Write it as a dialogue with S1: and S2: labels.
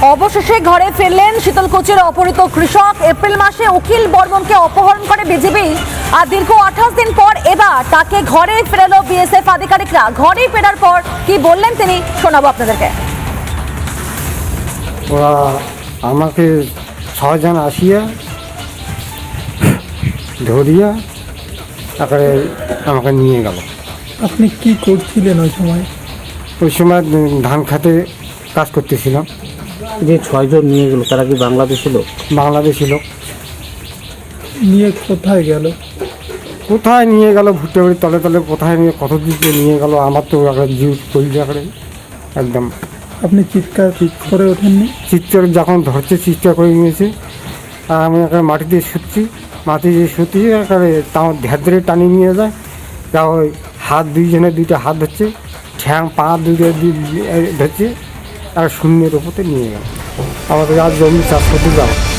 S1: অবশেষে ঘরে ফিরলেন শীতলকুচির অপহৃত কৃষক। এপ্রিল মাসে অখিল বর্মনকে অপহরণ করে বিজেপি, আর দীর্ঘ 28 দিন পর এবার তাকে ঘরে ফেরালো বিএসএফ আধিকারিকরা। ঘরে ফেরার পর কি বললেন তিনি, শোনাবো আপনাদেরকে।
S2: ওরা আমাকে 6 জন আসিয়া ধরিয়া তারপরে আমাকে নিয়ে গেল।
S3: আপনি কি করছিলেন ওই সময়?
S2: ওই সময় ধান খাতে কাজ করতেছিলাম।
S4: যে 6 জন নিয়ে গেল তারা কি বাংলাদেশি লোক?
S2: বাংলাদেশি লোক।
S3: নিয়ে কোথায় গেল?
S2: কোথায় নিয়ে গেল, ভুট্টে বাড়ির তলে তলে কোথায় নিয়ে কত দিকে নিয়ে গেল, আমার তো একটা জিউ কলিজা করে একদম।
S3: আপনি চিৎকার করে ওঠেননি?
S2: চিৎকার যখন ধরছে চিৎকার করে নিয়েছে, আর আমি একটা মাটি দিয়ে শুচ্ছি, মাটি দিয়ে শুতিয়ে একেবারে তাও ধ্যার ধরে টানিয়ে নিয়ে যায়। তা ওই হাত দুইজনের দুইটা হাত ধরছে, ঠ্যাং পা দুইটা ধরছে, আর শূন্যের ওপরে নিয়ে গেল। আমাদের আর জমি চাষ করতে যাবো।